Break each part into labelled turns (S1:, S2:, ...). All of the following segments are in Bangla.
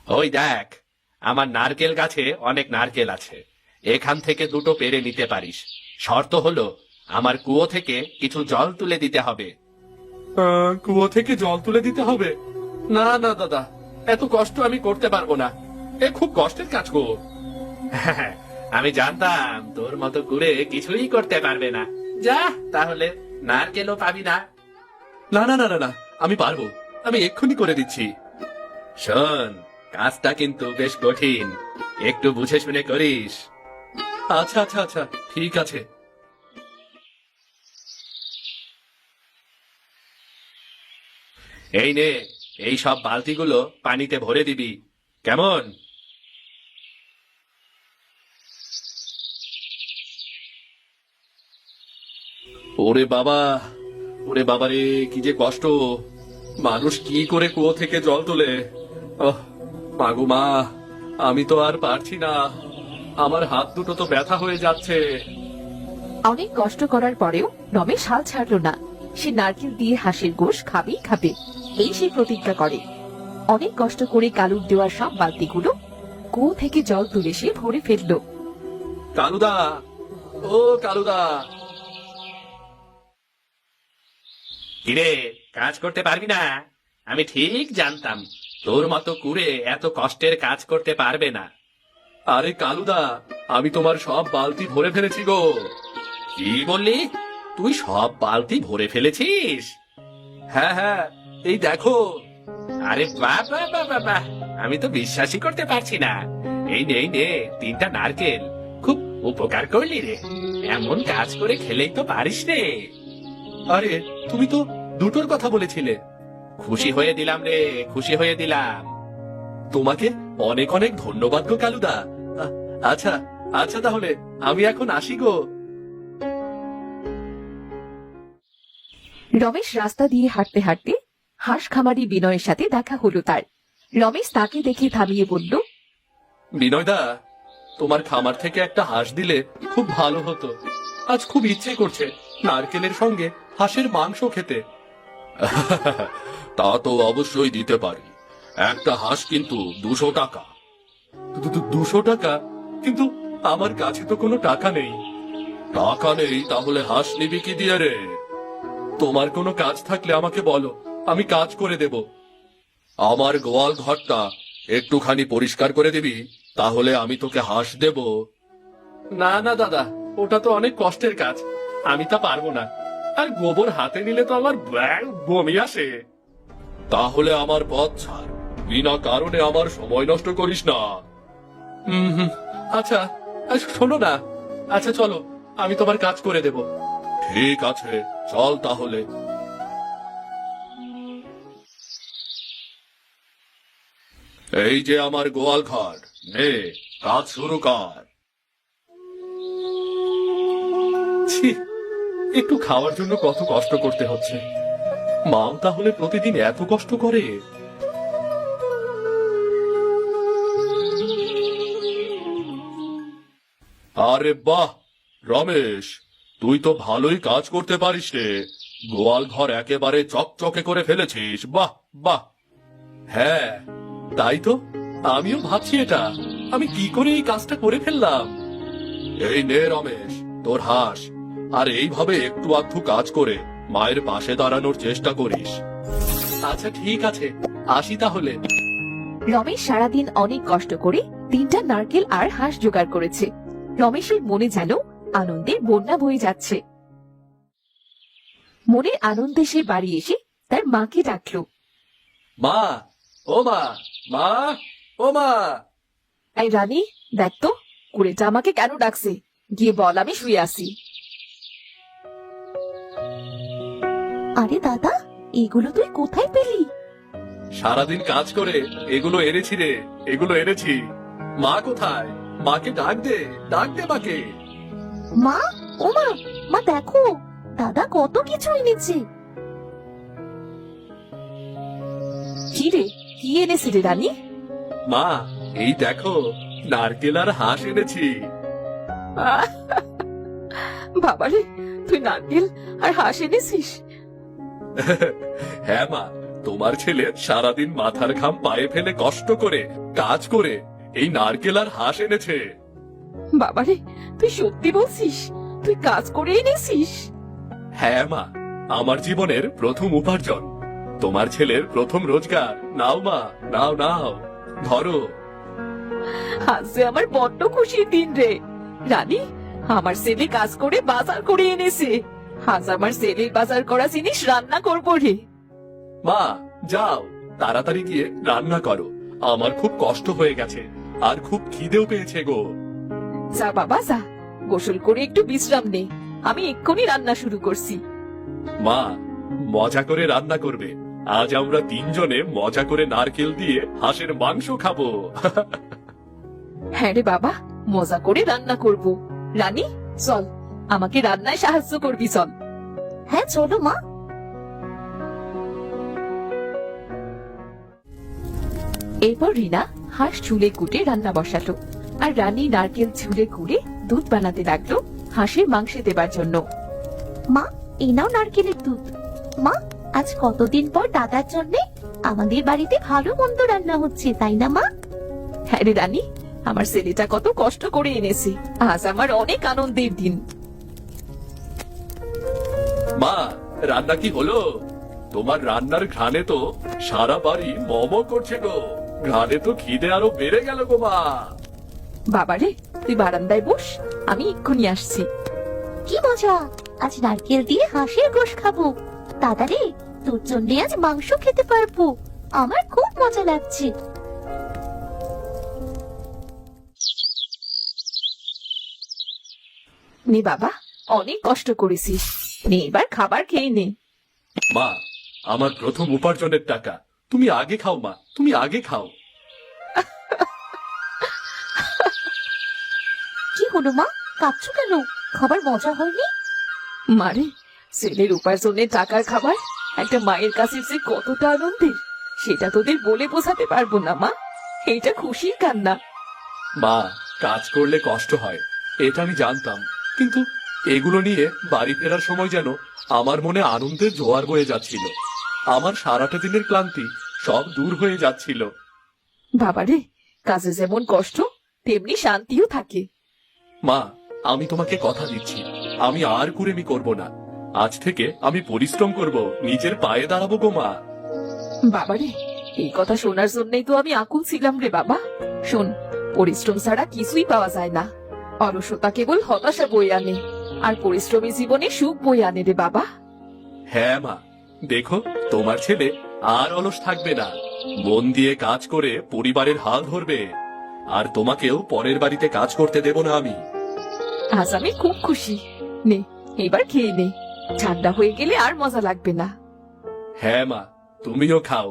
S1: ওই দেখ, আমার নারকেল গাছে অনেক নারকেল আছে, এখান থেকে দুটো পেরে নিতে পারিস। শর্ত হলো আমার কুয়ো থেকে কিছু জল তুলে দিতে হবে। কুয়ো থেকে জল তুলে দিতে হবে? না না দাদা, এত কষ্ট আমি করতে পারবো না, এ খুব কষ্টের কাজ গো। আমি জানতাম তোর মতো করে কিছুই করতে পারবে না। যা, তাহলে নারকেলও পাবি না। না না না না না, আমি পারবো, আমি এক্ষুনি করে দিচ্ছি। শোন, কাজটা কিন্তু বেশ কঠিন, একটু বুঝে শুনে করিস। আচ্ছা আচ্ছা আচ্ছা, ঠিক আছে। এই নে, এই সব বালতিগুলো পানিতে ভরে দিবি, কেমন? ওরে বাবা, ওরে বাবা রে, কি যে কষ্ট! মানুষ কি করে কুয়ো থেকে জল তোলে! মাগো মা, আমি তো আর পারছি না, আমার হাত দুটো তো ব্যথা হয়ে যাচ্ছে।
S2: অনেক কষ্ট করার পরেও রমেশ হাল ছাড়লো না। সে নারকেল দিয়ে হাঁসের গোশ খাবেই খাবে, এই সে প্রতিজ্ঞা করে। অনেক কষ্ট করে কালুর দেওয়া সব বালতিগুলো কুয়ো থেকে জল তুলে সে ভরে ফেললো।
S1: কালুদা, ও কালুদা! কিরে, কাজ করতে পারবি না? আমি ঠিক জানতাম তোর মতো কুড়ে এত কষ্টের কাজ করতে পারবে না। আরে কালুদা, আমি তোমার সব বালতি ভরে ফেলেছি গো। কি বললি? তুই সব বালতি ভরে ফেলেছিস? হ্যাঁ হ্যাঁ, এই দেখো। আরে বাহ বাহ বাহ বাহ বাহ, আমি তো বিশ্বাসই করতে পারছি না। এই নে এই নে, 3টা নারকেল, খুব উপকার করলি রে। এমন কাজ করে খেলেই তো পারিস রে। আরে, তুমি তো দুটোর কথা বলেছিলে। খুশি হয়ে দিলাম রে, খুশি হয়ে দিলাম। তোমাকে অনেক অনেক ধন্যবাদ গো কালুদা। আচ্ছা আচ্ছা, তাহলে আমি এখন আসি গো।
S2: রমেশ রাস্তা দিয়ে হাঁটতে হাঁটতে হাঁস খামারি বিনয়ের সাথে দেখা হলো তার। রমেশ তাকে দেখে থামিয়ে বলল,
S1: বিনয়দা, তোমার খামার থেকে একটা হাঁস দিলে খুব ভালো হতো। আজ খুব ইচ্ছে করছে নারকেলের সঙ্গে হাঁসের মাংস খেতে। তা তো অবশ্যই দিতে পারি, একটা হাঁস কিন্তু 200 টাকা। 200 টাকা? কিন্তু আমার কাছে তো কোনো টাকা নেই। টাকা নেই তাহলে হাঁস নিবি কি দিয়ে রে? তোমার কোনো কাজ থাকলে আমাকে বলো, আমি কাজ করে দেব। আমার গোয়াল ঘরটা একটুখানি পরিষ্কার করে দিবি, তাহলে আমি তোকে হাঁস দেব। না না দাদা, ওটা তো অনেক কষ্টের কাজ, আমি তা পারবো না। আর গোবর হাতে নিলে তো আমার বমি আসে। তাহলে আমার পথ ছাড়, বিনা কারণে আমার সময় নষ্ট করিস না। আচ্ছা, শোনো না, আচ্ছা চলো, আমি তোমার কাজ করে দেব। ঠিক আছে, চল তাহলে। এই যে আমার গোয়াল ঘর, নে, কাজ শুরু কর। ছি, একটু খাওয়ার জন্য কত কষ্ট করতে হচ্ছে। মাও তাহলে প্রতিদিন এত কষ্ট করে? আরে বাহ রমেশ, তুই তো ভালোই কাজ করতে পারিস রে। গোয়াল ঘর একেবারে চকচকে করে ফেলেছিস, বাহ বাহ। হ্যাঁ, তাই তো আমিও ভাবছি এটা আমি কি করে এই কাজটা করে ফেললাম। এই নে রমেশ, তোর হাঁস, আর এইভাবে একটু আধটু কাজ করে মায়ের পাশে দাঁড়ানোর চেষ্টা করিস। আচ্ছা ঠিক আছে, আসি তাহলে।
S2: রমেশ সারাদিন অনেক কষ্ট করে 3টা নারকেল আর হাঁস জোগাড় করেছে। রমেশের মনে যেন আনন্দে বন্যা বয়ে যাচ্ছে। মনের আনন্দে সে বাড়ি এসে তার মাকে ডাকলো।
S1: মা, ও মা, মা, ও মা।
S2: এই রানী, দেখ তো কুড়েটা আমাকে কেন ডাকছে, গিয়ে বল আমি শুয়ে আছি। আরে দাদা, এগুলো তুই কোথায় পেলি?
S1: সারাদিন কাজ করে এগুলো এনেছি রে, এগুলো এনেছি। মা কোথায়? মাকে ডাক দে, ডাক দে মাকে।
S2: মা, ও মা, মা দেখো, দাদা কত কিছু এনেছে। কি রে, কি এনেছি রে রানী?
S1: মা, এই দেখো, নারকেল আর হাঁস এনেছি।
S2: বাবারে, তুই নারকেল আর হাঁস এনেছিস?
S1: হ্যাঁ মা, তোমার ছেলে সারাদিন মাথার ঘাম পায়ে ফেলে কষ্ট করে কাজ করে এই নারকেল আর হাঁস এনেছে।
S2: বাবারে, তুই সত্যি বলছিস? তুই কাজ করে এনেছিস?
S1: হ্যাঁ মা, আমার জীবনের প্রথম উপার্জন, তোমার ছেলের প্রথম রোজগার। নাও মা, নাও নাও, ধরো।
S2: আজ যে আমার বড্ড খুশির দিন রে রানী। আমার ছেলে কাজ করে বাজার করে এনেছে। আজ আমার ছেলের বাজার করা জিনিস রান্না করবো রে।
S1: মা যাও, তাড়াতাড়ি গিয়ে রান্না করো, আমার খুব কষ্ট হয়ে গেছে আর খুব খিদেও পেয়েছে গো।
S2: যা বাবা যা, গোসল করে একটু বিশ্রাম নে, আমি এক্ষুনি রান্না শুরু করছি।
S1: মা, মজা করে রান্না করবে। আজ আমরা তিনজনে মজা করে নারকেল দিয়ে হাঁসের মাংস খাবো।
S2: হ্যাঁ রে বাবা, মজা করে রান্না করব। রানী চল, আমাকে রান্নায় সাহায্য করবি চল। হ্যাঁ চলো মা। এরপর রিনা হাঁস ঝুলে কুটে রান্না বসালো, আর রানী নারকেল ঝুলে কুড়ে দুধ বানাতে লাগলো হাঁসের মাংসে দেবার জন্য।
S3: মা, এই নাও নারকেলের দুধ। মা, আজ কতদিন পর দাদার জন্য আমাদের বাড়িতে ভালো মন্দ রান্না হচ্ছে, তাই না মা?
S2: হ্যাঁ রে রানী, আমার ছেলেটা কত কষ্ট করে এনেছে, আজ আমার অনেক আনন্দের দিন।
S1: মা, রান্না কি হলো? তোমার রান্নার ঘ্রাণে তো সারা বাড়ি মম করছে গো। ঘ্রাণে তো খিদে আরো বেড়ে গেল গো মা।
S2: বাবারে, তুই বারান্দায় বস, আমি এক্ষুনি আসছি।
S3: কি মজা, আজ নারকেল দিয়ে হাঁসের গোশ খাবো। দাদা রে, তোর জন্য আজ মাংস খেতে পারবো। আমার খুব মজা লাগছে।
S2: নে বাবা, অনেক কষ্ট করেছিস, নে এবার খাবার খেয়ে নে।
S1: মা, আমার প্রথম উপার্জনের টাকা, তুমি আগে খাও মা, তুমি আগে খাও।
S3: কি হলো মা, কাঁদছো কেন? খাবার মজা হয়নি?
S2: মারে, ছেলের উপার্জনের টাকার খাবার একটা মায়ের কাছে যে কতটা আনন্দের, সেটা তোদের বলে বোঝাতে পারবো না মা। এটা খুশির কান্না।
S1: মা, কাজ করলে কষ্ট হয়, এটা আমি জানতাম, কিন্তু এগুলো নিয়ে বাড়ি ফেরার সময় যেন আমার মনে আনন্দের জোয়ার বয়ে যাচ্ছিল। আমার সারাটা দিনের ক্লান্তি সব দূর হয়ে যাচ্ছিল।
S2: বাবারে, কাজে যেমন কষ্ট তেমনি শান্তিও থাকে।
S1: মা, আমি তোমাকে কথা দিচ্ছি, আমি আর কুড়েমি করব না। আজ থেকে আমি পরিশ্রম করব, নিজের পায়ে দাঁড়াবো গো মা।
S2: বাবারে, এই কথা শোনার জন্যই তো আমি আকুল ছিলাম রে বাবা। শোন, পরিশ্রম ছাড়া কিছুই পাওয়া যায় না। অলসতা কেবল হতাশা বয়ে আনে, আর পরিশ্রমী জীবনে সুখ বয়ে আনে রে বাবা।
S1: হ্যাঁ মা, দেখো তোমার ছেলে আর অলস থাকবে না, মন দিয়ে কাজ করে পরিবারের হাল ধরবে। আর তোমাকেও পরের বাড়িতে কাজ করতে দেব না আমি।
S2: আজ আমি খুব খুশি। নে এবার খেয়ে নে, ঠান্ডা হয়ে গেলে আর মজা লাগবে না।
S1: হ্যাঁ মা, তুমিও খাও।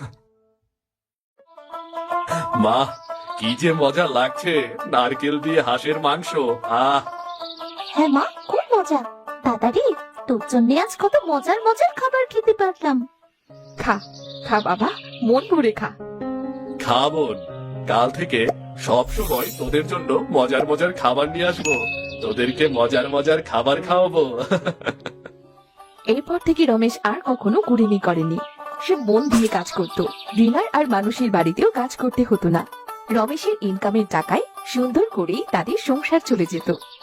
S1: মা, কি যে মজা লাগছে নারকেল দিয়ে হাঁসের মাংস। আহ,
S3: হ্যাঁ মা, খুব মজা। দাদা রে, তোর জন্য আজ কত মজার মজার খাবার খেতে পারলাম।
S2: খা খা বাবা, মন ভরে খা।
S1: খা বোন, কাল থেকে সব সময় তোদের জন্য মজার মজার খাবার নিয়ে আসবো, তোদেরকে মজার মজার খাবার খাওয়াবো।
S2: এরপর থেকে রমেশ আর কখনো কুড়েমি করেনি। সে মন দিয়ে কাজ করত, রিনার আর মানুষের বাড়িতেও কাজ করতে হতো না। রমেশের ইনকামের টাকায় সুন্দর করেই তাদের সংসার চলে যেত।